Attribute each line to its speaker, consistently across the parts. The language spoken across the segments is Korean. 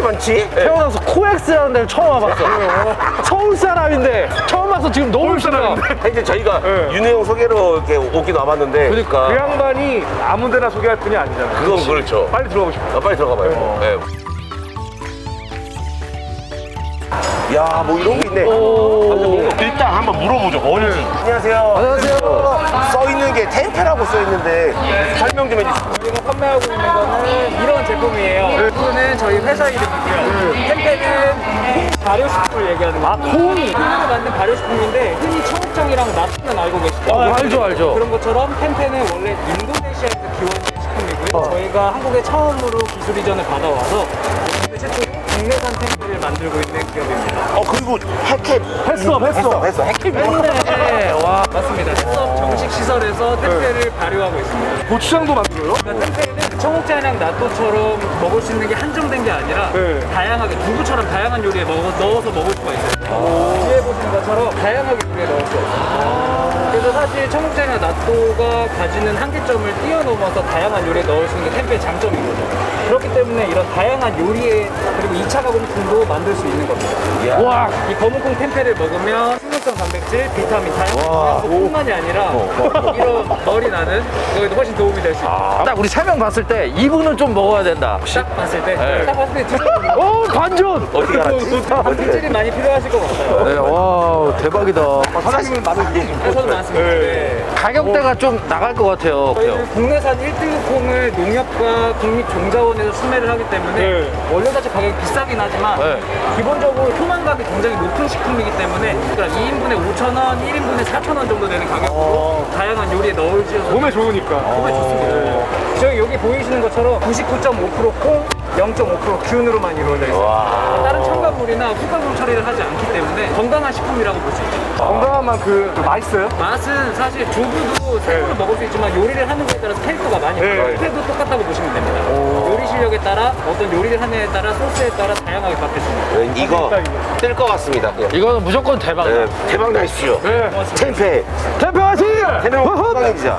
Speaker 1: 많지?
Speaker 2: 태어나서 코엑스라는 데를 처음 와봤어. 서울 사람인데 처음 와서 지금 너무 싫어.
Speaker 1: 이제 저희가 윤혜영 소개로 이렇게 오긴 와봤는데
Speaker 2: 그러니까
Speaker 3: 그 양반이 아무데나 소개할 분이 아니잖아.
Speaker 1: 그건 그렇죠.
Speaker 3: 빨리 들어가고 싶어.
Speaker 1: 빨리 들어가 봐요. 네. 야, 뭐 이런 게 있네. 일단 한번 물어보죠. 뭔지. 안녕하세요.
Speaker 2: 안녕하세요.
Speaker 1: 써 있는 게 템페라고 써 있는데 설명 좀 해주세요.
Speaker 4: 저희가 판매하고 있는 거는 이런 제품이에요. 이거는 저희 회사 이름이고요. 템페는 발효식품을 얘기하는 거예요. 콩으로 만든 발효식품인데 흔히 청국장이랑 나트는 알고 계시죠?
Speaker 2: 알죠.
Speaker 4: 그런 것처럼 템페는 원래 인도네시아에서 기원된 식품이고요. 저희가 한국에 처음으로 기술 이전을 받아와서 국내 최초로 국내산 템페를 만들고 있는 기업입니다.
Speaker 1: 그리고 해캡. 했어. 해캡.
Speaker 2: 네, 와.
Speaker 4: 맞습니다. 해썹 정식 시설에서 템페를 발효하고 있습니다.
Speaker 3: 고추장도 만들어요?
Speaker 4: 그러니까 템페는 청국장이랑 나또처럼 먹을 수 있는 게 한정된 게 아니라 다양하게 두부처럼 다양한 요리에 넣어서 먹을 수가 있어요. 뒤에 보시는 것처럼 다양하게 요리에 넣을 수 있어요. 그래서 사실 청국장이나 나또가 가지는 한계점을 뛰어넘어서 다양한 요리에 넣을 수 있는 게 템페의 장점인 거죠. 그렇기 때문에 이런 다양한 요리에 그리고 2차 가공품도 만들 수 있는 겁니다.
Speaker 2: 와.
Speaker 4: 이 검은콩 템페를 먹으면 식물성 단백질, 비타민 다양한 뿐만이 아니라 이런 머리 나는 거에도 훨씬 도움이 될 수 있어요.
Speaker 2: 딱 우리 3명 봤을 때 이분은 좀 먹어야 된다.
Speaker 4: 딱 봤을 때,
Speaker 2: 네.
Speaker 4: 딱 봤을 때 드셔보면
Speaker 2: 반전.
Speaker 1: 어떻게 알았지?
Speaker 4: 단백질이 많이 필요하실 것 같아요.
Speaker 2: 네, 와 대박이다.
Speaker 3: 사장님은 많으시고.
Speaker 4: 저도 많습니다. 네.
Speaker 2: 가격대가 좀 나갈 것 같아요.
Speaker 4: 저희는 국내산 1등급 콩을 농협과 국립종자원에서 수매를 하기 때문에 원료 자체 가격이 비싸긴 하지만
Speaker 2: 네.
Speaker 4: 기본적으로 포만감이 굉장히 높은 식품이기 때문에 그러니까 2인분에 5,000원, 1인분에 4,000원 정도 되는 가격으로 다양한 요리에 넣을 지어서
Speaker 3: 몸에 좋으니까.
Speaker 4: 정말 좋습니다. 저희 여기 보이시는 것처럼 99.5% 콩, 0.5% 균으로만 이루어져 있어요. 다른 첨가물이나 후가공 처리를 하지 않기 때문에 건강한 식품이라고 볼 수 있죠.
Speaker 3: 건강한 만큼 맛있어요?
Speaker 4: 맛은 사실 두부도 생으로 먹을 수 있지만 요리를 하는 거에 따라서 캐릭터가 많이 달라요. 도 똑같다고 보시면 됩니다. 요리 실력에 따라 어떤 요리를 하느냐에 따라 소스에 따라 다양하게 바뀌습니다.
Speaker 1: 이거 뜰 것 같습니다.
Speaker 2: 이거는 무조건 대박이다.
Speaker 1: 네, 대박 나십시오. 템페.
Speaker 2: 대표 화이팅!
Speaker 1: 템페 호빵이자.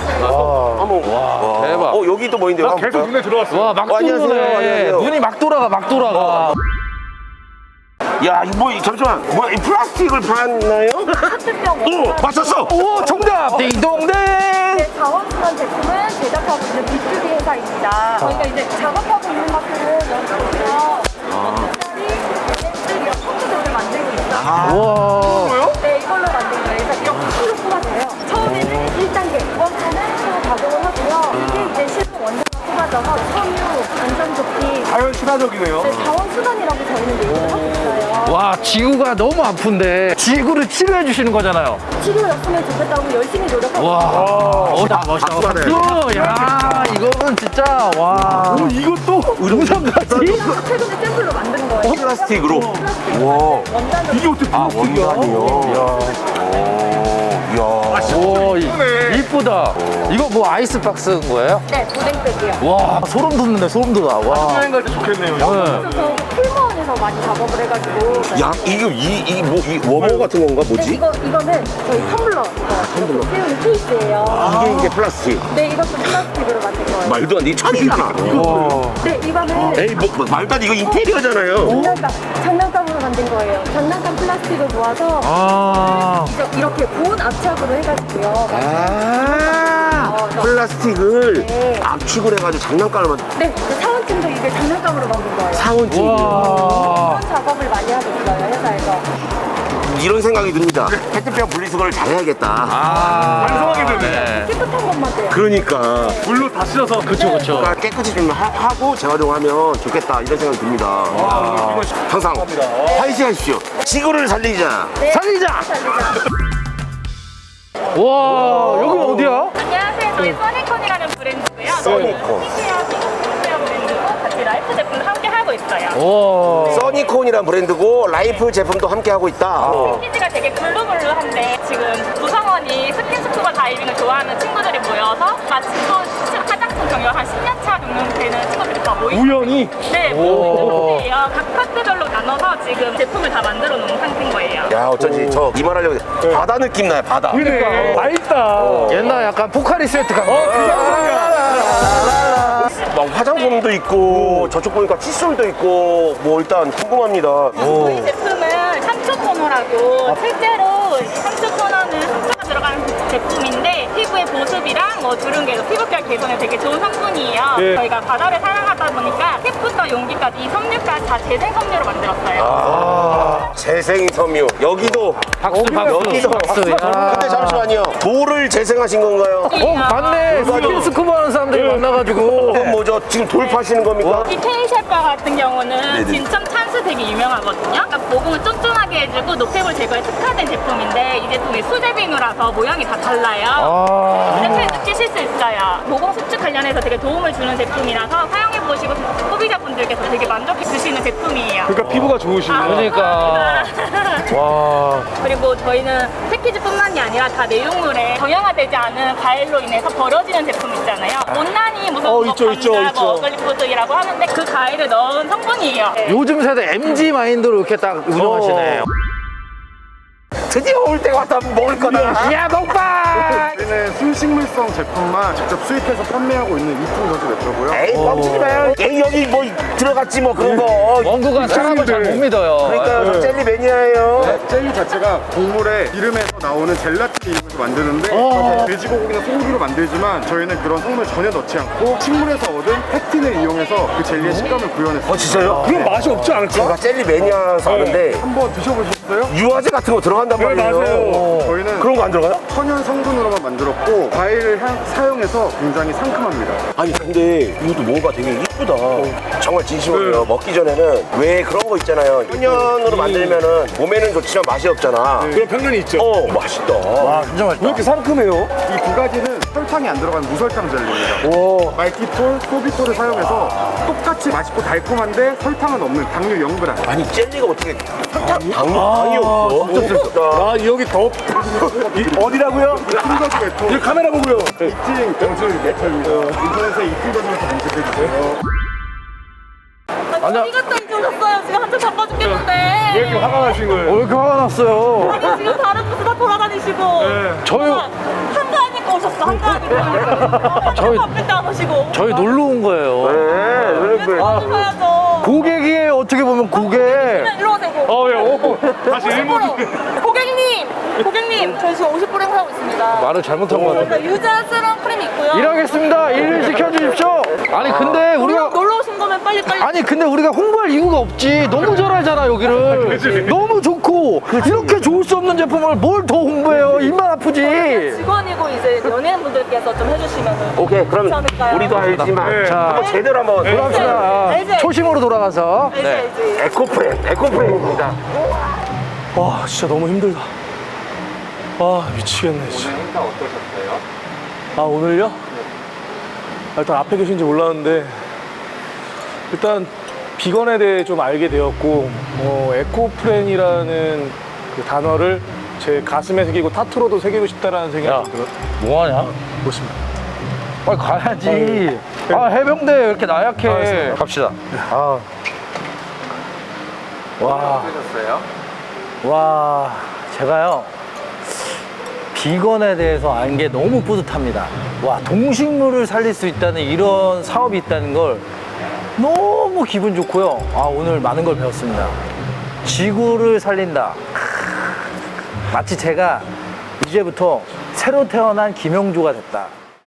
Speaker 1: 한번.
Speaker 2: 대박.
Speaker 1: 여기 또 뭐 있는데요? 한번
Speaker 3: 계속
Speaker 1: 볼까요?
Speaker 3: 눈에 들어왔어.
Speaker 2: 와, 막
Speaker 1: 안녕하세요.
Speaker 2: 들어오네.
Speaker 1: 안녕하세요.
Speaker 2: 눈이 막 돌아가.
Speaker 1: 야, 이거 뭐, 잠시만. 뭐야, 이 플라스틱을 봤나요? 오, 맞췄어!
Speaker 2: 오, 정답! 띵동댕!
Speaker 5: 네, 자원순환 제품을 제작하고 있는 B2B 회사입니다. 저희가 이제 작업하고 있는 것들은 여기서 렌즈리랑 컴퓨터를 만들고 있어요.
Speaker 2: 와.
Speaker 5: 네, 이걸로 만든 거예요. 그래서 이렇게 실로 뽑아져요. 처음에는 1단계, 2번째는 또 가공을 하고요. 이게 이제 실로 원자가 뽑아져서 섬유, 안전조끼,
Speaker 3: 자연 친화적이네요.
Speaker 5: 네, 자원순환이라고 저희는 얘기를 하고 있어요.
Speaker 2: 와, 지구가 너무 아픈데 지구를 치료해 주시는 거잖아요.
Speaker 5: 치료였으면 좋겠다고 열심히 노력하고
Speaker 2: 와. 멋있다.
Speaker 1: 박수 받아요.
Speaker 2: 박수! 야, 이거는 진짜 와.
Speaker 3: 이것도
Speaker 2: 의상까지?
Speaker 5: 있어요. 최근에 샘플로 만든 거예요.
Speaker 1: 플라스틱으로.
Speaker 5: 플라스틱.
Speaker 1: 와.
Speaker 5: 원단으로.
Speaker 3: 이게 어떻게
Speaker 1: 원단이요? 이야.
Speaker 2: 오, 이쁘다. 이거 뭐 아이스박스인 거예요?
Speaker 5: 네, 보냉백이요.
Speaker 2: 와, 소름 돋는데, 소름 돋아. 와.
Speaker 3: 여행 갈 때 좋겠네요.
Speaker 5: 그래서 풀무원에서 많이 작업을 해가지고.
Speaker 1: 야, 이 워머 같은 건가?
Speaker 5: 네,
Speaker 1: 뭐지?
Speaker 5: 이거는 저희 텀블러 이거 세우는 케이스예요.
Speaker 1: 이게 플라스틱.
Speaker 5: 네, 이것도 플라스틱으로 만든 거예요.
Speaker 1: 말도 안 돼. 이 천이잖아.
Speaker 5: 네, 이거는
Speaker 1: 에이, 말도 안 돼. 이거 인테리어잖아요.
Speaker 5: 장난감으로 만든 거예요. 장난감 플라스틱을 모아서
Speaker 2: 아.
Speaker 5: 이렇게 고온 압착으로 해가지고요.
Speaker 1: 플라스틱을
Speaker 5: 네.
Speaker 1: 압축을 해가지고 장난감을 만든
Speaker 5: 네, 그 사원증도 이게 장난감으로 만든 거예요.
Speaker 1: 사원증.
Speaker 2: 와.
Speaker 5: 이런 작업을 많이 하고 있어요, 회사에서.
Speaker 1: 이런 생각이 듭니다. 페트병 분리수거를 잘해야겠다.
Speaker 3: 반성하게 되네.
Speaker 5: 깨끗한 것만 돼요.
Speaker 1: 그러니까.
Speaker 3: 물로 다 씻어서.
Speaker 2: 그쵸.
Speaker 1: 그러니까 깨끗이 좀 하고 재활용하면 좋겠다 이런 생각이 듭니다. 항상 화이팅 하십시오. 지구를 살리자.
Speaker 2: 살리자!
Speaker 5: 살리자.
Speaker 2: 와, 여기 어디야?
Speaker 6: 안녕하세요. 저희 써니콘이라는 브랜드고요.
Speaker 1: 써니콘.
Speaker 6: 시시하고 스포츠웨어 브랜드고 같이 라이프 제품도 함께 하고 있어요.
Speaker 2: 와.
Speaker 1: 써니콘이란 브랜드고 라이프 제품도 함께 하고 있다.
Speaker 6: 패키지가 되게 블루블루한데 지금 구성원이 스킨스쿠버 다이빙을 좋아하는 친구들이 모여서 마침 또 화장품 경력 한 10년 차 경력 되는 친구들이 다 모인
Speaker 3: 우연히?
Speaker 6: 네,
Speaker 2: 오.
Speaker 6: 모이예요. 각 파트별로 나눠서 지금 제품을 다 만들어 놓은 상태인 거예요.
Speaker 1: 야 어쩐지 저 이 말 하려고 했는데 바다 느낌 나요 바다.
Speaker 3: 그러니까. 맛있다.
Speaker 2: 옛날 약간 포카리 세트 같은
Speaker 3: 그
Speaker 1: 막 화장품도 있고 저쪽 보니까 칫솔도 있고 뭐 일단 궁금합니다.
Speaker 6: 저희 제품은 상추 토너라고 실제로 이 상추 토너는 상추가 들어가는 제품인데 피부의 보습이랑 뭐 주름개선, 피부결 개선에 되게 좋은 성분이에요. 저희가 바다를 사랑하다 보니까 캡부터 용기까지 이 섬유까지 다 재생 섬유로 만들었어요.
Speaker 1: 재생 섬유. 여기도
Speaker 2: 박수, 박수.
Speaker 1: 여기도
Speaker 2: 박수. 야.
Speaker 1: 근데 잠시만요. 돌을 재생하신 건가요?
Speaker 2: 맞네. 스킨스쿠버 하는 사람들이 만나가지고.
Speaker 1: 그건 뭐죠? 지금 돌 파시는 겁니까?
Speaker 6: 이 케이셰파 같은 경우는 진천 찬스 되게 유명하거든요. 그러니까 모공을 쫀쫀하게 해주고 노폐물 제거에 특화된 제품인데 이 제품이 수제 비누라서 모양이 다 달라요. 냄새 느끼실 수 있어요. 모공 수축 관련해서 되게 도움을 주는 제품이라서 사용해보시고 소비자분들께서 되게 만족해 주시는 제품이에요.
Speaker 3: 그러니까 피부가 좋으시네요.
Speaker 2: 그러니까.
Speaker 6: 감사합니다.
Speaker 2: 와.
Speaker 6: 그리고 저희는 패키지뿐만이 아니라 다 내용물에 정형화되지 않은 가일로 인해서 벌어지는 제품 있잖아요. 못난이 무슨 뭐
Speaker 3: 있죠, 있죠,
Speaker 6: 감자,
Speaker 3: 있죠.
Speaker 6: 뭐 어글리푸드라고 하는데 그 가일을 넣은 성분이에요. 네.
Speaker 2: 요즘 세대 MG 마인드로 이렇게 딱 운영하시네.
Speaker 1: 드디어 올 때가 왔다. 먹을 거다.
Speaker 2: 야, 먹방!
Speaker 7: 저희는 순식물성 제품만 직접 수입해서 판매하고 있는 이쁜 거즈 매트고요.
Speaker 1: 에이 뻥치지 마요. 에이 여기 뭐 들어갔지 뭐 그런 거.
Speaker 2: 원구가 사람을 잘 못 믿어요.
Speaker 1: 그러니까요. 저 젤리 매니아예요.
Speaker 7: 젤리 자체가 곡물의 기름에서 나오는 젤라틴을 이용해서 만드는데 돼지고기나 소고기로 만들지만 저희는 그런 성분을 전혀 넣지 않고 식물에서 얻은 팩틴을 이용해서 그 젤리의 식감을 구현했어요.
Speaker 1: 진짜요?
Speaker 3: 그럼 맛이 없지 않을까?
Speaker 1: 제가 젤리 매니아라서 아는데
Speaker 7: 한번 드셔보셨어요?
Speaker 1: 유화제 같은 거 들어간단 말이에요.
Speaker 3: 맞아요.
Speaker 7: 저희는
Speaker 1: 그런 거 안 들어가요?
Speaker 7: 천연 성분으로만 만들었고 과일을 사용해서 굉장히 상큼합니다.
Speaker 1: 아니 근데 이것도 뭐가 되게 이쁘다. 정말 진심으로요. 먹기 전에는 왜 그런 거 있잖아요. 천연으로 만들면은 몸에는 좋지만 맛이 없잖아.
Speaker 3: 그런 편견이 있죠.
Speaker 1: 맛있다.
Speaker 2: 진짜 맛있다.
Speaker 3: 왜 이렇게 상큼해요?
Speaker 7: 이 두 가지는 설탕이 안 들어간 무설탕 젤리입니다. 말티톨, 소비톨을 사용해서 똑같이 맛있고 달콤한데 설탕은 없는 당류 0g.
Speaker 1: 아니 젤리가 어떻게 당이 없어?
Speaker 3: 아, 여기 더. 어디라고요?
Speaker 7: 이쁜 거즈 매트.
Speaker 3: 여기 카메라 보고요.
Speaker 7: 이팅 경주 매트입니다. 인터넷에 이쁜 거즈부터 검색해주세요.
Speaker 6: 어디 갔다 이제 오셨어요? 지금 한참 바빠 죽겠는데.
Speaker 3: 왜 이렇게 화가 나신 거예요?
Speaker 2: 왜 이렇게 화가 났어요?
Speaker 6: 아니 지금 다른 부스 다 돌아다니시고.
Speaker 2: 저희,
Speaker 6: 한가하니까 오셨어. 한가하니까.
Speaker 2: 저희-
Speaker 6: 바쁠 때 안 오시고.
Speaker 2: 저희 놀러 온 거예요.
Speaker 6: 왜 자주 가야죠.
Speaker 2: 고객이에요, 어떻게 보면 고객.
Speaker 6: 일로 오세요.
Speaker 3: 왜? 다시 일본.
Speaker 6: 고객님, 저희 지금 50% 행사하고 있습니다.
Speaker 2: 말을 잘못한 것 같은데.
Speaker 6: 저희가 유자 세럼 크림 있고요.
Speaker 2: 일하겠습니다. 일 시켜주십시오. 아니, 근데 우리가.
Speaker 6: 놀러 오신 거면 빨리.
Speaker 2: 아니 근데 우리가 홍보할 이유가 없지. 너무 잘 알잖아 여기를. 너무 좋고 이렇게 좋을 수 없는 제품을 뭘 더 홍보해요. 입만 아프지.
Speaker 6: 직원이고 이제 연예인분들께서 좀 해주시면.
Speaker 1: 오케이 그럼
Speaker 6: 괜찮을까요?
Speaker 1: 우리도 알지만
Speaker 2: 자,
Speaker 1: 한번 제대로 한번
Speaker 2: 갑시다.
Speaker 6: 알지?
Speaker 2: 초심으로 돌아가서.
Speaker 6: 알지.
Speaker 1: 에코프렌입니다.
Speaker 3: 와, 진짜 너무 힘들다. 아, 미치겠네, 진짜. 오늘 행사 어떠셨어요? 아, 오늘요? 일단 앞에 계신지 몰랐는데, 일단 비건에 대해 좀 알게 되었고, 에코프렌이라는 그 단어를 제 가슴에 새기고 타투로도 새기고 싶다라는 생각이 들어요.
Speaker 2: 뭐하냐?
Speaker 3: 보십니다.
Speaker 2: 빨리 가야지. 아 해병대 왜 이렇게 나약해.
Speaker 3: 알겠습니다.
Speaker 2: 갑시다. 아. 와, 제가요 비건에 대해서 안 게 너무 뿌듯합니다. 와, 동식물을 살릴 수 있다는 이런 사업이 있다는 걸 너무 기분 좋고요. 아, 오늘 많은 걸 배웠습니다. 지구를 살린다. 마치 제가 이제부터 새로 태어난 김영조가 됐다.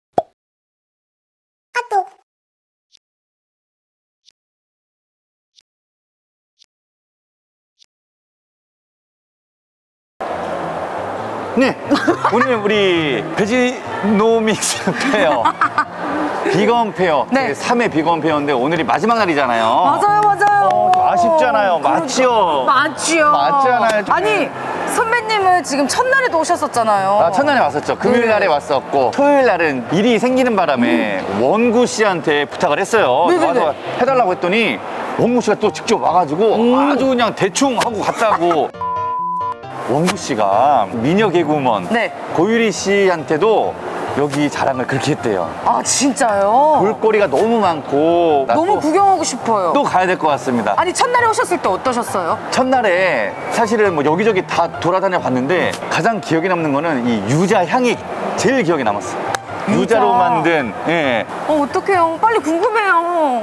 Speaker 8: 네, 오늘 우리 베지노믹스 페어, 비건 페어,
Speaker 9: 네.
Speaker 8: 3회 비건 페어인데 오늘이 마지막 날이잖아요.
Speaker 9: 맞아요.
Speaker 8: 아쉽잖아요. 맞지요?
Speaker 9: 맞지요.
Speaker 8: 맞잖아요.
Speaker 9: 아니, 선배님은 지금 첫날에도 오셨었잖아요.
Speaker 8: 아, 첫날에 왔었죠. 금요일 날에 왔었고, 토요일 날은 일이 생기는 바람에 원구 씨한테 부탁을 했어요.
Speaker 9: 네네네.
Speaker 8: 와서 해달라고 했더니 원구 씨가 또 직접 와가지고 아주 그냥 대충 하고 갔다고. 원구 씨가 미녀 개그우먼
Speaker 9: 네.
Speaker 8: 고유리 씨한테도 여기 자랑을 그렇게 했대요.
Speaker 9: 아, 진짜요?
Speaker 8: 볼거리가 너무 많고 나
Speaker 9: 너무
Speaker 8: 또,
Speaker 9: 구경하고 싶어요.
Speaker 8: 또 가야 될 것 같습니다.
Speaker 9: 아니, 첫날에 오셨을 때 어떠셨어요?
Speaker 8: 첫날에 사실은 뭐 여기저기 다 돌아다녀 봤는데 가장 기억에 남는 거는 이 유자 향이 제일 기억에 남았어. 유자로 만든, 예.
Speaker 9: 어떡해요. 빨리 궁금해요.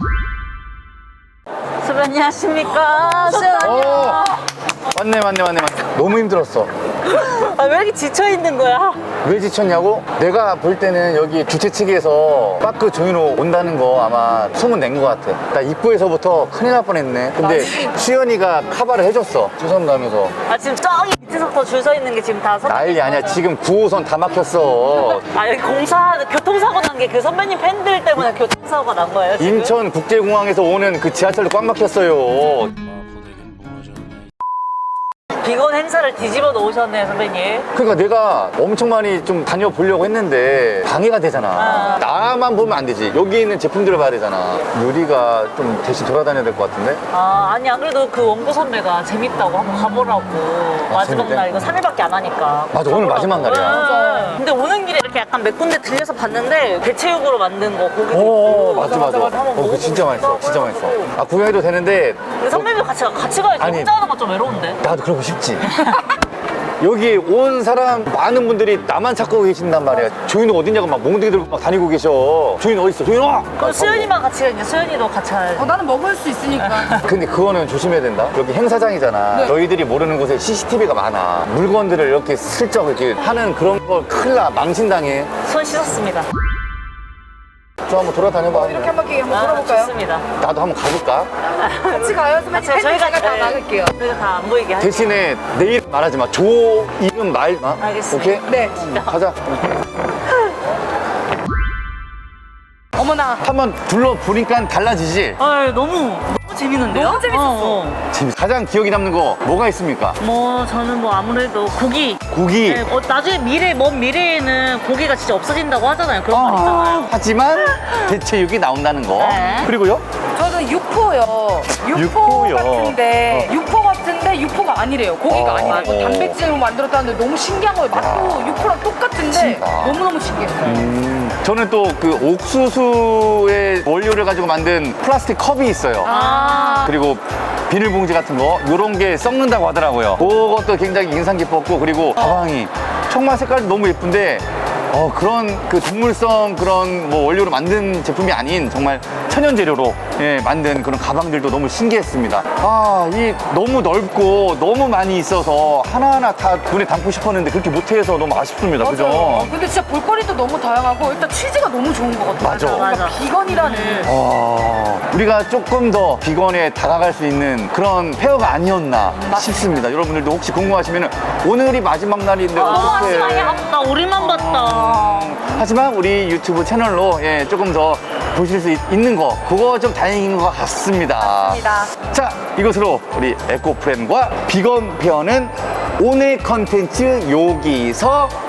Speaker 10: 선배님 안녕하십니까?
Speaker 8: 맞네. 너무 힘들었어.
Speaker 10: 아, 왜 이렇게 지쳐 있는 거야?
Speaker 8: 왜 지쳤냐고? 내가 볼 때는 여기 주최 측에서 빠크 조인호 온다는 거 아마 소문 낸 것 같아. 나 입구에서부터 큰일 날 뻔했네. 근데 수연이가 카바를 해줬어. 주선 가면서.
Speaker 10: 아, 지금 저기 밑에서부터 줄 서 있는 게 지금 다
Speaker 8: 난리 아니야. 지금 9호선 다 막혔어.
Speaker 10: 아, 여기 교통사고 난 게 그 선배님 팬들 때문에 교통사고가 난 거예요, 지금?
Speaker 8: 인천국제공항에서 오는 그 지하철도 꽉 막혔어요.
Speaker 10: 비건 행사를 뒤집어 놓으셨네요, 선배님.
Speaker 8: 그러니까 내가 엄청 많이 좀 다녀보려고 했는데 방해가 되잖아. 나만 보면 안 되지. 여기 있는 제품들을 봐야 되잖아. 유리가 좀 대신 돌아다녀야 될 것 같은데?
Speaker 10: 아, 아니, 안 그래도 그 원고 선배가 재밌다고 한번 가보라고. 마지막
Speaker 8: 재밌대?
Speaker 10: 날, 이거 3일밖에 안 하니까.
Speaker 8: 맞아, 오늘 마지막 날이야.
Speaker 10: 네. 근데 오는 길에 이렇게 약간 몇 군데 들려서 봤는데, 대체육으로 만든 거 고기도
Speaker 8: 오,
Speaker 10: 있고.
Speaker 8: 맞아. 그거 진짜 맛있어. 진짜 맛있어. 아, 구경해도 되는데
Speaker 10: 근데 선배님도 같이 가야지.
Speaker 8: 아니.
Speaker 10: 혼자 하는 건 좀 외로운데.
Speaker 8: 나도 그러고 싶지. 여기 온 사람 많은 분들이 나만 찾고 계신단 말이야. 조인호 어딨냐고 막 몽둥이 들고 막 다니고 계셔. 조인호 어딨어? 조인호!
Speaker 10: 그럼 수연이만 같이 가야지. 수연이도 같이 가야지.
Speaker 9: 나는 먹을 수 있으니까.
Speaker 8: 근데 그거는 조심해야 된다. 여기 행사장이잖아. 너희들이 모르는 곳에 CCTV가 많아. 물건들을 이렇게 슬쩍 이렇게 하는 그런 걸 큰일 나. 망신당해.
Speaker 10: 손 씻었습니다.
Speaker 8: 저 한번 돌아다녀봐.
Speaker 9: 이렇게 한 바퀴 한번 돌아볼까요?
Speaker 10: 좋습니다.
Speaker 8: 나도 한번 가볼까?
Speaker 9: 같이 가요, 선배님.
Speaker 10: 같이
Speaker 9: 팬들 제가 다
Speaker 10: 네,
Speaker 9: 막을게요.
Speaker 10: 저희가 다 안 보이게 할게요.
Speaker 8: 대신에 내 이름 말하지 마. 조 이름 말 마.
Speaker 10: 알겠습니다.
Speaker 8: 오케이?
Speaker 9: 네.
Speaker 8: 가자.
Speaker 9: 어머나.
Speaker 8: 한번 둘러보니까 달라지지?
Speaker 10: 아, 너무 재밌는데요?
Speaker 9: 너무 재밌었어.
Speaker 8: 지금 가장 기억에 남는 거 뭐가 있습니까?
Speaker 10: 뭐 저는 뭐 아무래도 고기.
Speaker 8: 고기.
Speaker 10: 네, 나중에 먼 미래에는 고기가 진짜 없어진다고 하잖아요. 그런 말 있잖아요.
Speaker 8: 하지만 대체육이 나온다는 거.
Speaker 10: 네.
Speaker 8: 그리고요?
Speaker 9: 저는 육포요.
Speaker 8: 육포요.
Speaker 9: 같은데 육포가 아니래요. 고기가
Speaker 8: 어.
Speaker 9: 아니래요.
Speaker 8: 어.
Speaker 9: 단백질로 만들었다는데 너무 신기한 거예요. 맛도 육포랑 똑같은데
Speaker 8: 진짜.
Speaker 9: 너무너무 신기했어요.
Speaker 8: 저는 또 그 옥수수의 원료를 가지고 만든 플라스틱 컵이 있어요. 그리고 비닐봉지 같은 거 요런 게 썩는다고 하더라고요. 그것도 굉장히 인상 깊었고, 그리고 가방이 정말 색깔도 너무 예쁜데 그런 그 동물성 그런 뭐 원료로 만든 제품이 아닌 정말 천연 재료로 만든 그런 가방들도 너무 신기했습니다. 이 너무 넓고 너무 많이 있어서 하나하나 다 눈에 담고 싶었는데 그렇게 못해서 너무 아쉽습니다. 그죠?
Speaker 9: 근데 진짜 볼거리도 너무 다양하고 일단 취지가 너무 좋은 것 같아요.
Speaker 8: 맞아.
Speaker 9: 뭔가 비건이라는.
Speaker 8: 우리가 조금 더 비건에 다가갈 수 있는 그런 페어가 아니었나 싶습니다. 여러분들도 혹시 궁금하시면 오늘이 마지막 날인데 어떻게
Speaker 10: 마지막에 아까 우리만 봤다.
Speaker 8: 하지만 우리 유튜브 채널로 조금 더 보실 수 있는 거 그거 좀 다행인 것 같습니다. 자, 이것으로 우리 에코프렌과 비건 페어는 오늘 컨텐츠 여기서